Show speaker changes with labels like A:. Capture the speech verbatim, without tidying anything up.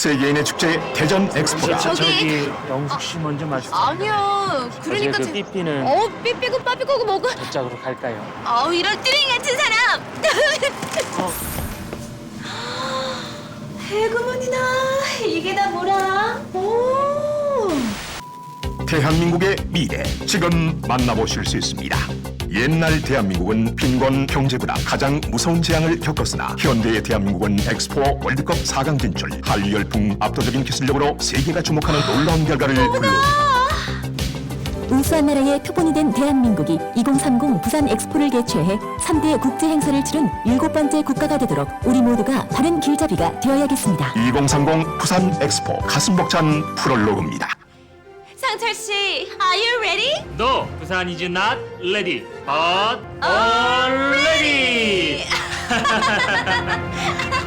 A: 세계인의 축제 대전 엑스포가
B: 저,
C: 저기-
B: 저기 영숙 씨 먼저 말씀.
C: 아니요. 그러니까
B: 그
C: 제-
B: 삐삐는
C: 어, 삐삐고 빠삐고 뭐가?
B: 저짝으로 갈까요?
C: 아우 이런 띠링 같은 사람.
B: 어.
C: 해구문이나 이게 다 뭐라? 오.
A: 대한민국의 미래 지금 만나보실 수 있습니다. 옛날 대한민국은 빈곤 경제보다 가장 무서운 재앙을 겪었으나 현대의 대한민국은 엑스포 월드컵 사 강 진출, 한류 열풍, 압도적인 기술력으로 세계가 주목하는 놀라운 결과를 불러
D: 우수한 나라의 표본이 된 대한민국이 이천삼십 부산 엑스포를 개최해 삼 대 국제 행사를 치른 일곱 번째 국가가 되도록 우리 모두가 바른 길잡이가 되어야겠습니다.
A: 이천삼십 부산 엑스포 가슴 벅찬 프롤로그입니다.
C: 상철 씨, are you ready?
B: No, 부산 is not ready, but already.